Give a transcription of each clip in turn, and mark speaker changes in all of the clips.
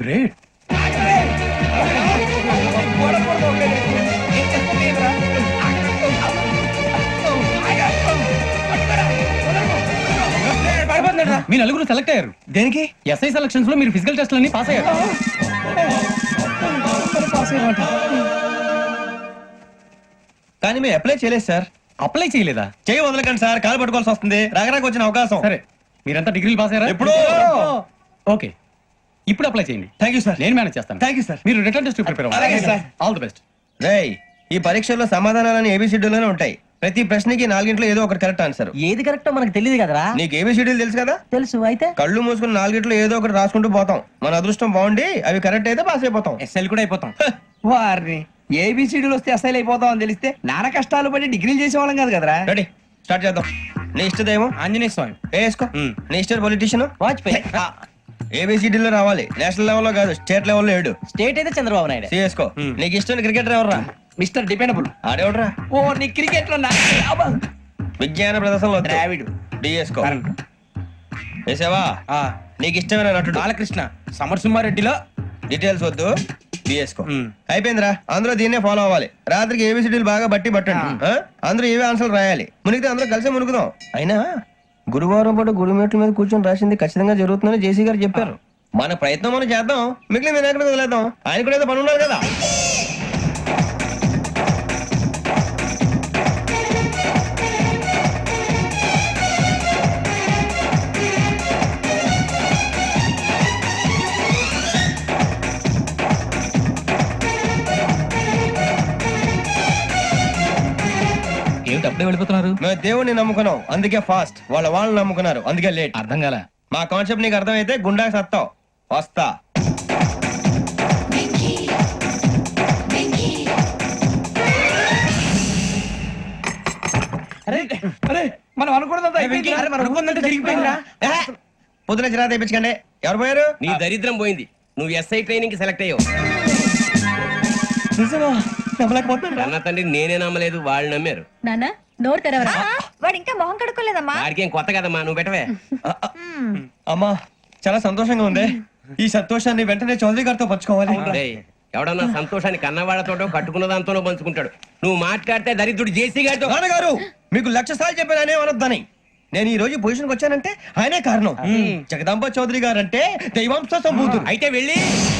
Speaker 1: Great. మీ నలుగురు select అయ్యారు.
Speaker 2: దేనికి?
Speaker 1: ఎస్ఐ సెలక్షన్స్ లో మీరు ఫిజికల్ టెస్ట్ అన్ని పాస్ అయ్యారు.
Speaker 2: కానీ మేము అప్లై చేయలేదు సార్.
Speaker 1: అప్లై చేయలేదా?
Speaker 2: చేయి వదలకండి సార్, కాలు పట్టుకోవాల్సి వస్తుంది. రాగరాకు వచ్చిన అవకాశం.
Speaker 1: సరే, మీరంతా డిగ్రీలు పాస్ అయ్యారా?
Speaker 2: ఎప్పుడు?
Speaker 1: ఓకే, ఇప్పుడు అప్లై చేయండి.
Speaker 2: Thank you sir.
Speaker 1: నేను మేనేజ్ చేస్తాను.
Speaker 2: Thank you sir.
Speaker 1: మీరు రిటర్న్ టెస్ట్ ప్రిపేర్
Speaker 2: అలాగే
Speaker 1: అవ్వండి.
Speaker 2: సార్.
Speaker 1: All the best.
Speaker 2: రేయ్, ఈ పరీక్షల్లో సమాధానాలని ఏబిసిడ్యూల్లోనే ఉంటాయి. ప్రతి ప్రశ్నకి 4 ఏదో ఒకటి కరెక్ట్ ఆన్సర్.
Speaker 3: ఏది కరెక్టో మనకు తెలియదు కదరా.
Speaker 2: నీకు ఏబిసిడ్యూల్ తెలుసు కదా?
Speaker 3: తెలుసు. అయితే
Speaker 2: కళ్ళు మూసుకుని 4 ఏదో ఒకటి రాసుకుంటూ పోతాం. మన అదృష్టం బాగుండి అవి కరెక్ట్ అయితే పాస్ అయిపోతాం.
Speaker 4: ఎస్ఎల్ కూడా అయిపోతాం. వారిని ఏబిసిడీలు వస్తే ఎస్ఐలు అయిపోతాం అని తెలిస్తే నాన్న కష్టాలు పడి డిగ్రీలు చేసేవాళ్ళం కాదు కదరా.
Speaker 2: రెడీ, స్టార్ట్ చేద్దాం. నీ ఇష్టదేమో
Speaker 4: ఆంజనేయ స్వామి.
Speaker 2: వేసుకో. నీ ఇష్ట పొలిటీషియన్
Speaker 3: వాజ్పేయి.
Speaker 2: ఏబిసిడీలో రావాలి. నేషనల్ లెవెల్లో కాదు, స్టేట్ లెవెల్లో 7.
Speaker 3: స్టేట్ అయితే చంద్రబాబు నాయుడు.
Speaker 2: సిఎస్కో. నీకు ఇష్టం క్రికెటర్ ఎవర్రా?
Speaker 4: Mister dependable.
Speaker 2: ఆడేవడరా?
Speaker 4: ఓ నీ క్రికెట్ లో
Speaker 2: విజ్ఞాన ప్రదర్శనలో
Speaker 4: ద్రావిడు.
Speaker 2: డిఎస్కో. వేసావా? నీకు ఇష్టమైన నటుడు?
Speaker 4: బాలకృష్ణ. సమర్సింహారెడ్డిలో
Speaker 2: డీటెయిల్స్ వద్దు, బిఎస్కో. అయిపోయిందిరా. అందరూ దీన్నే ఫాలో అవ్వాలి. రాత్రికి ఏబిసిడీలు బాగా బట్టి పట్టండి. అందరూ ఏవే ఆన్సర్లు రాయాలి. మునిగితే అందరూ కలిసి మునుగుదాం. అయినా గురువారం పాటు గురుమేట్ల మీద కూర్చొని రాసింది ఖచ్చితంగా జరుగుతుందని జేసీ గారు చెప్పారు. మన ప్రయత్నం మనం చేద్దాం, మిగిలిన నేను ఎక్కడ వదిలేద్దాం. ఆయన కూడా ఏదో పని ఉన్నారు కదా.
Speaker 1: ఏమిటి అప్పుడే వెళ్ళిపోతున్నారు?
Speaker 2: మేము దేవుడిని నమ్ముకున్నాం, అందుకే ఫాస్ట్. వాళ్ళని నమ్ముకున్నారు, అందుకే లేట్.
Speaker 1: అర్థం కాల.
Speaker 2: మా కాన్సెప్ట్ నీకు అర్థమైతే గుండా సత్తావు. వస్తా.
Speaker 4: మనం అనుకున్నదంతా జరిగిపోయిందిరా.
Speaker 2: పొద్దున చిరా తెప్పించకండి. ఎవరు పోయారు?
Speaker 5: నీ దరిద్రం పోయింది. నువ్వు ఎస్ఐ ట్రైనింగ్ కి సెలెక్ట్ అయ్యావు. అన్న తండ్రి నేనే నమ్మలేదు, వాళ్ళు నమ్మారు.
Speaker 6: నాన్న నోరు తెరవరా. వాడు ఇంకా మొహం కడుక్కోలేదమ్మా.
Speaker 5: వాడికి ఏం కొత్త కదమ్మా, నువ్వు పెట్టవే.
Speaker 2: అమ్మా, చాలా సంతోషంగా ఉంది. ఈ సంతోషాన్ని వెంటనే చౌదరి గారితో పంచుకోవాలి.
Speaker 5: డేయ్, ఎవడన్నా సంతోషాన్ని కన్నవాళ్లతోటో కట్టుకున్న దాంతోనో పంచుకుంటాడు. నువ్వు మాట్లాడితే దరిద్రుడు జేసీ గారితో.
Speaker 2: నాన్నగారు, మీకు 1,00,000 సార్లు చెప్పాను అనే అనొద్దని. నేను ఈ రోజు పొజిషన్ కి వచ్చానంటే ఆయనే కారణం. జగదాంబ చౌదరి గారు అంటే దైవాంశ సంభూతుడు.
Speaker 5: అయితే వెళ్ళి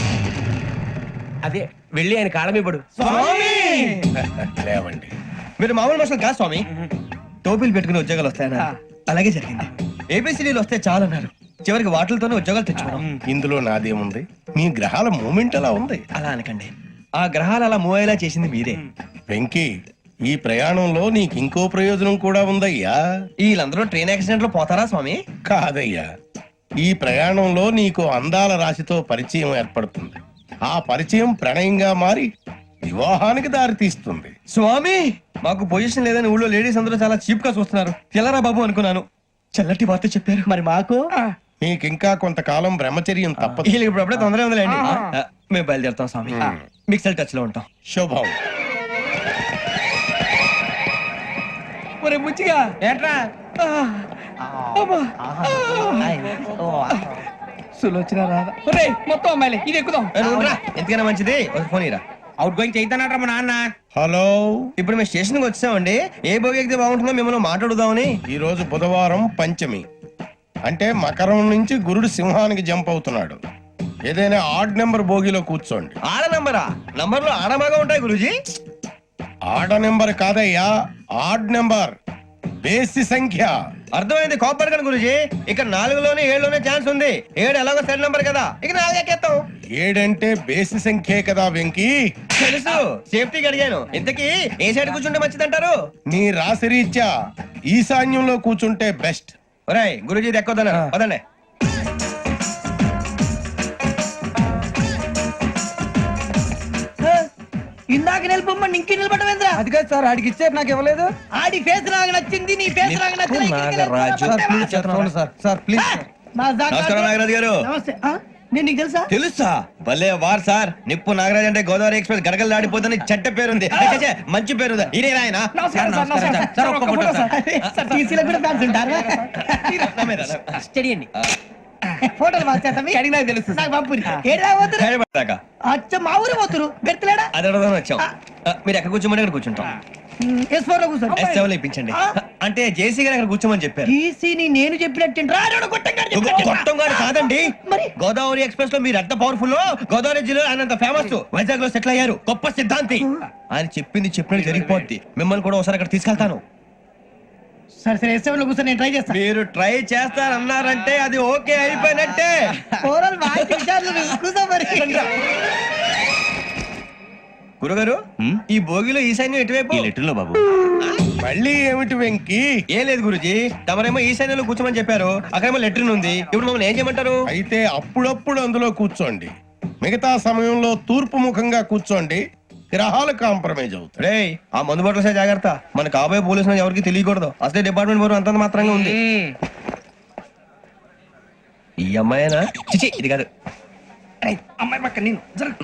Speaker 5: ఆయన కాళ్ళమివ్వడు.
Speaker 2: లేవండి, మీరు మామూలు మనుషులు కాదు స్వామి. టోపీలు పెట్టుకుని ఉద్యోగాలు వస్తాయన్నా, అలాగే జరిగింది. ఏబిసిడీలు వస్తే చాలన్నారు, చివరికి వాటిలతోనే ఉద్యోగాలు తెచ్చుకున్నాం.
Speaker 7: ఇందులో నాదేముంది? మీ గ్రహాల మూమెంట్ అలా ఉంది.
Speaker 2: అలా అనకండి, ఆ గ్రహాలు అలా మూవ్ అయ్యేలా చేసింది మీరే.
Speaker 7: వెంకీ, ఈ ప్రయాణంలో నీకు ఇంకో ప్రయోజనం కూడా ఉందయ్యా.
Speaker 2: వీళ్ళందరూ ట్రైన్ యాక్సిడెంట్ లో పోతారా స్వామి?
Speaker 7: కాదయ్యా, ఈ ప్రయాణంలో నీకు అందాల రాశితో పరిచయం ఏర్పడుతుంది. ఆ పరిచయం ప్రణయంగా మారి వివాహానికి దారి తీస్తుంది.
Speaker 2: స్వామి, మాకు పొజిషన్ లేదని ఊళ్ళో లేడీస్ అందరూ చాలా చీప్ గా చూస్తున్నారు. ఎలారా బాబు అనుకున్నాను. చల్లటి వార్త చెప్పారు.
Speaker 3: మరి మాకు
Speaker 7: నీకింకా కొంతకాలం బ్రహ్మచర్యం తప్పదు.
Speaker 2: వీళ్ళకి ఇప్పుడు అప్పుడే తొందరగా ఉందిలేండి. మేము బయలుదేరుతాం స్వామి. మిక్సెల్ టచ్ లో ఉంటాం.
Speaker 7: శుభం.
Speaker 4: ఒరే బుచ్చిగా
Speaker 5: ఏంట్రా
Speaker 4: సులోచన రాదా? ఒరే మొత్తం అమ్మాయిలే, ఇది ఎక్కుదాం.
Speaker 2: ఎందుకైనా మంచిది, ఫోన్ ఇరా.
Speaker 5: అవుట్ గోయింగ్ చేద్దానట్రా మా నాన్న.
Speaker 7: హలో,
Speaker 2: ఇప్పుడు మేము స్టేషన్ కి వచ్చామండి. ఏ బోగి ఎక్కితే బాగుంటుందో మిమ్మల్ని మాట్లాడుదామని.
Speaker 7: ఈ రోజు బుధవారం పంచమి, అంటే మకరం నుంచి గురుడు సింహానికి జంప్ అవుతున్నాడు. ఏదైనా ఆడ్ నెంబర్ బోగిలో కూర్చోండి.
Speaker 2: ఆడ నంబరా? నంబర్లు ఆడబాగా ఉంటాయి గురూజీ.
Speaker 7: ఆడ నెంబర్ కాదయ్యా, ఆడ్ నెంబర్, బేసి సంఖ్య.
Speaker 2: అర్థమైంది, కోపడకండి గురూజీ. ఇక్కడ 4లోనే 7లోనే ఛాన్స్ ఉంది. 7 ఎలాగో సెడ్ నంబర్ కదా, ఇక 4 ఎక్కేస్తాం.
Speaker 7: 7 అంటే బేసి సంఖ్యే కదా వెంకీ.
Speaker 2: తెలుసు, సేఫ్టీకి అడిగాను. ఇంతకీ ఏ సైడ్ కూర్చుంటే మంచిదంటారు?
Speaker 7: నీ రాశి రీత్యా ఈశాన్యంలో కూర్చుంటే బెస్ట్.
Speaker 2: ఒరేయ్, గురూజీ దెక్కొద్దన్నారు, పదండి.
Speaker 3: ఇందాక నిలబొమ్మని ఇంకే నిలబడమేంద్రా?
Speaker 4: అది కాదు సార్, ఆడికి ఇచ్చారు, నాకు ఇవ్వలేదు.
Speaker 3: ఆడి ఫేస్ నాకు నచ్చింది, నీ ఫేస్ నాకు నచ్చింది.
Speaker 4: Sir please.
Speaker 2: నమస్కారం నాగరాజు గారు.
Speaker 3: నమస్తే. నేను నీకు తెలుసా?
Speaker 2: తెలుసా? భలే వార్ సార్. నిప్పు నాగరాజ్ అంటే గోదావరి ఎక్స్ప్రెస్ గడగలు దాడిపోతుంది చెట్ట పేరుంది. మంచి పేరు. ఇదే ఆయన.
Speaker 3: టీసీలో కూడా ఫ్యాన్స్ ఉంటారా? స్టడీ అండి. ఫోటోలు మార్చేస్తాం
Speaker 4: కడిగి నాకు తెలుసు
Speaker 3: నాకు పంపురి ఏడా పోతురు
Speaker 2: హైదరాబాద్
Speaker 3: అచ్చ మా ఊరు పోతురు బెర్తలేడా
Speaker 2: అది అడగదామని వచ్చాం మీరు ఎక్కడ కూర్చోమని అక్కడ కూర్చుంటాం
Speaker 3: S4 లో కూర్చోండి
Speaker 2: S7 లో ఇప్పించండి అంటే జేసీ గారు అక్కడ కూర్చోమని చెప్పారు
Speaker 3: టీసీని నేను చెప్పినట్టు రాడు
Speaker 2: గొట్టం గారు కాదండి
Speaker 3: మరి?
Speaker 2: గోదావరి ఎక్స్ప్రెస్ లో మీరు ఎంత పవర్ఫుల్ గోదావరి జిల్లా ఆయన అంత ఫేమస్ వైజాగ్ లో సెటిల్ అయ్యారు గొప్ప సిద్ధాంతి ఆయన చెప్పింది చెప్పినట్టు జరిగిపోద్ది మిమ్మల్ని కూడా ఒకసారి అక్కడ తీసుకెళ్తాను
Speaker 3: సరే సరే S7 లో కూర్చొని నేను ట్రై చేస్తాను
Speaker 2: మీరు ట్రై చేస్తారన్నారంటే అది ఓకే అయిపోయినట్టే
Speaker 3: ఓవరాల్ బాగా విచారణ కూర్చో మరి
Speaker 2: గురుగారు ఈ భోగిలో ఈశాన్యం ఎటువైపు
Speaker 5: లెటర్లో బాబు
Speaker 7: మళ్ళీ ఏమిటి వెంకీ
Speaker 2: ఏం లేదు గురుజీ తమరేమో ఈశాన్యంలో కూర్చోమని చెప్పారు అక్కడేమో లెట్రిన్ ఉంది ఇప్పుడు మమ్మల్ని ఏం చేయమంటారు
Speaker 7: అయితే అప్పుడప్పుడు అందులో కూర్చోండి మిగతా సమయంలో తూర్పు ముఖంగా కూర్చోండి గ్రహాలు కాంప్రమైజ్ అవుతాయి
Speaker 2: రేయ్ ఆ మందు బట్టలసే జాగ్రత్త మన కాబోయే పోలీసులు ఎవరికి తెలియకూడదు అసలే డిపార్ట్మెంట్ బోరు అంతంత మాత్రంగా ఉంది ఈ అమ్మాయినా చిచి ఇది కాదు
Speaker 4: అమ్మాయి పక్క నేను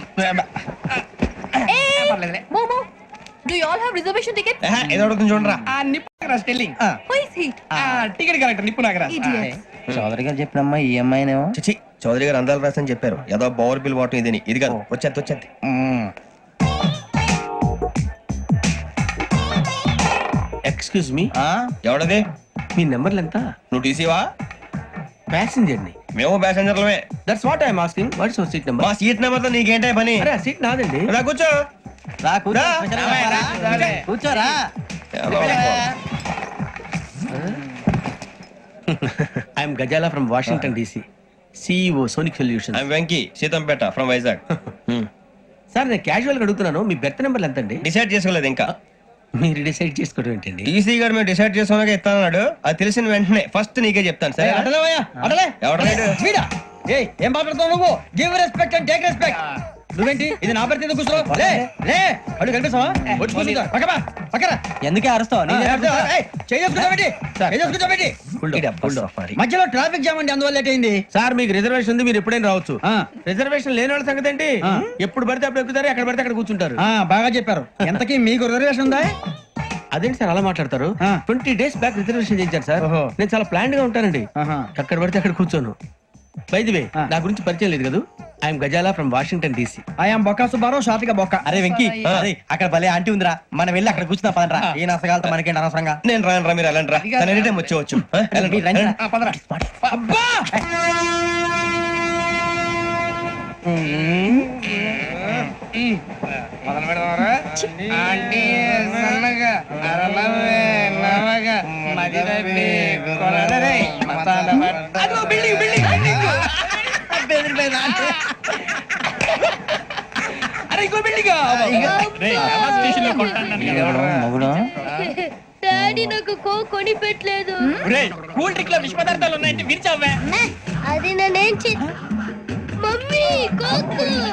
Speaker 6: మోమో do you all have reservation ticket
Speaker 2: ఏహే, ఏదో అడుగుతుంది చూడరా
Speaker 4: ఆ నిప్పు Nagaraj telling
Speaker 6: who is he
Speaker 4: ticket correct నిప్పు నాగరాజ్
Speaker 6: ఇడియట్
Speaker 3: చౌదరి గారు చెప్పినమ్మా ఈ అమ్మాయినేమో
Speaker 2: చిచి చౌదరి గారు అందాలు రాసని చెప్పారు ఏదో పవర్ బిల్ వాటం ఇదని ఇది కాదు వచ్చేది
Speaker 5: ఎక్స్క్యూజ్ మీ
Speaker 2: ఎవడది
Speaker 5: మీ నెంబర్లు ఎంత
Speaker 2: నువ్వు టీసీవా
Speaker 5: ప్యాసింజర్ ని
Speaker 2: మేము ప్యాసెంజర్లమే
Speaker 5: that's what I'm asking what's your seat number
Speaker 2: మా సీట్ నెంబర్ తో నీకేంటే పని
Speaker 5: అరే ఆ సీట్ నాదండి
Speaker 2: రా కూర్చో
Speaker 3: రా కూర్చో
Speaker 2: రా.
Speaker 3: కూర్చోరా
Speaker 5: I'm Gazala from Washington DC CEO Sonic Solution
Speaker 2: I'm Venky Seethampeta from Vizag
Speaker 5: sir నేను క్యాజువల్ గా అడుగుతున్నాను మీ బెర్త్ నెంబర్లు ఎంత అండి
Speaker 2: డిసైడ్ చేసుకోలేదు ఇంకా
Speaker 5: మీరు డిసైడ్ చేసుకోవడం ఏంటండి
Speaker 2: టీసీ గారు మేము డిసైడ్ చేసుకున్నాక ఇస్తానన్నాడు అది తెలిసిన వెంటనే ఫస్ట్ నీకే చెప్తాను సరే
Speaker 3: అడలేవయ్యా అడలే
Speaker 2: ఎవడలేడు
Speaker 3: వీడా ఏయ్ ఏం మాట్లాడుతావు నువ్వు give respect and take respect నువ్వేంటి ఇది నా పరిస్థితి కూర్చో లే లే అడుగు కనిపిస్తావా వచ్చి కూర్చుంటా పక్కమా పక్కరా
Speaker 4: ఎందుకే అరుస్తావు
Speaker 3: మధ్యలో ట్రాఫిక్ జామ్ అండి అందువల్ల లేట్ అయింది
Speaker 5: సార్ మీకు రిజర్వేషన్ ఉంది మీరు ఎప్పుడైనా రావచ్చు రిజర్వేషన్ లేని వాళ్ళ సంగతి ఏంటి ఎప్పుడు పడితే అప్పుడు ఎక్కుతారు ఎక్కడ పడితే అక్కడ కూర్చుంటారు
Speaker 3: బాగా చెప్పారు ఎంతకీ మీకు రిజర్వేషన్ ఉందా
Speaker 5: అదేంటి సార్ అలా మాట్లాడతారు 20 days బ్యాక్ రిజర్వేషన్ చేయించారు సార్
Speaker 3: ఓహో.
Speaker 5: నేను చాలా ప్లాన్డ్ గా ఉంటానండి అక్కడ పడితే అక్కడ కూర్చోను బై ది వే నా గురించి పరిచయం లేదు కదా I'm Gazala from Washington DC
Speaker 3: I'm బొక్క సుబ్బారావు షాతిక బొక్క
Speaker 4: అరే వెంకీ అరే అక్కడ భలే ఆంటీ ఉందిరా మనం వెళ్ళి అక్కడ కూర్చున్నా పదరా ఏ నసగాలతో మనకేంటి అనవసరంగా
Speaker 2: నేను రాను రా మీరు వెళ్ళండి రా తను ఎనీ టైం వచ్చేవచ్చు వెళ్ళండి,
Speaker 4: మీరు రండి రా.
Speaker 2: వెళ్ళండి.
Speaker 3: అబ్బా
Speaker 4: మొదలు పెడదామరా ఆంటీ సన్నగా అరలవే నవగా మదిరపి కొరడరే మతాల అదో బిల్డింగ్ బిల్డింగ్ బిల్డింగ్ అరే ఇంకో బిల్డింగ్
Speaker 6: డాడీ నాకు కొని పెట్టలేదు
Speaker 4: కూల్ డ్రింక్ లో విష పదార్థాలు ఉన్నాయంటే విరిచావే
Speaker 6: అది నేనేం మమ్మీ కోక్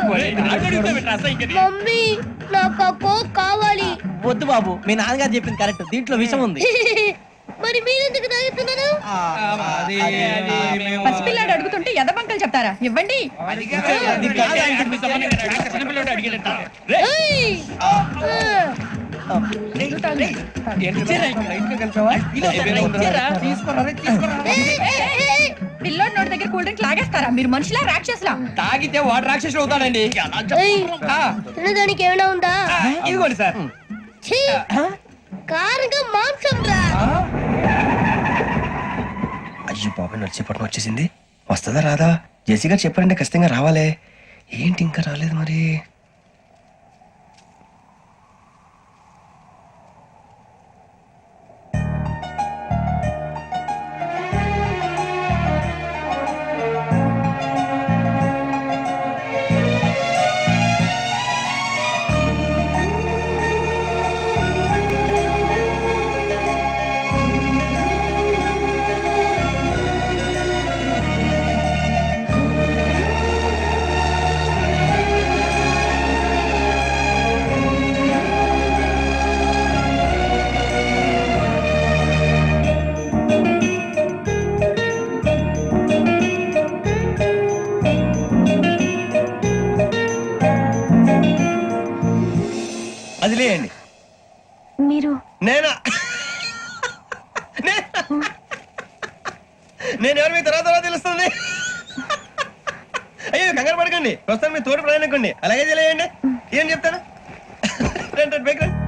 Speaker 6: మమ్మీ నాకు ఆ కోక్ కావాలి
Speaker 3: వద్దు బాబు మీ నాన్నగారు చెప్పింది కరెక్ట్ దీంట్లో విషయం ఉంది
Speaker 6: మరి మీరెందుకు తాగుతున్నారు
Speaker 8: పసిపిల్లాడు అడుగుతుంటే ఎదబంకలు చెప్తారా ఇవ్వండి
Speaker 6: ఏయ్!
Speaker 8: పిల్లోడి నోటి దగ్గర కూల్ డ్రింక్ లాగేస్తారా మీరు మనుషులా రాక్షసులా
Speaker 4: తాగితే వాడు రాక్షసుడు అవుతాడండి
Speaker 6: ఏయ్! తినడానికి ఏమైనా ఉందా
Speaker 4: ఇదిగోండి సార్
Speaker 6: ఛీ! కారంగా మాంసం రా
Speaker 2: అయ్యో బాబాయ్ నడిచేపట్నం వచ్చేసింది వస్తుందా రాదా జేసీ గారు చెప్పారంటే ఖచ్చితంగా రావాలే ఏంటి ఇంకా రాలేదు మరి అది లేయండి
Speaker 6: మీరు
Speaker 2: నేనా నేను ఎవరు మీ తర్వాత తెలుస్తుంది కంగారు పడకండి ప్రస్తుతం మీ తోటి ప్రయాణకండి అలాగే తెలియండి ఏం చెప్తాను రండి, రండి, పైకి రండి.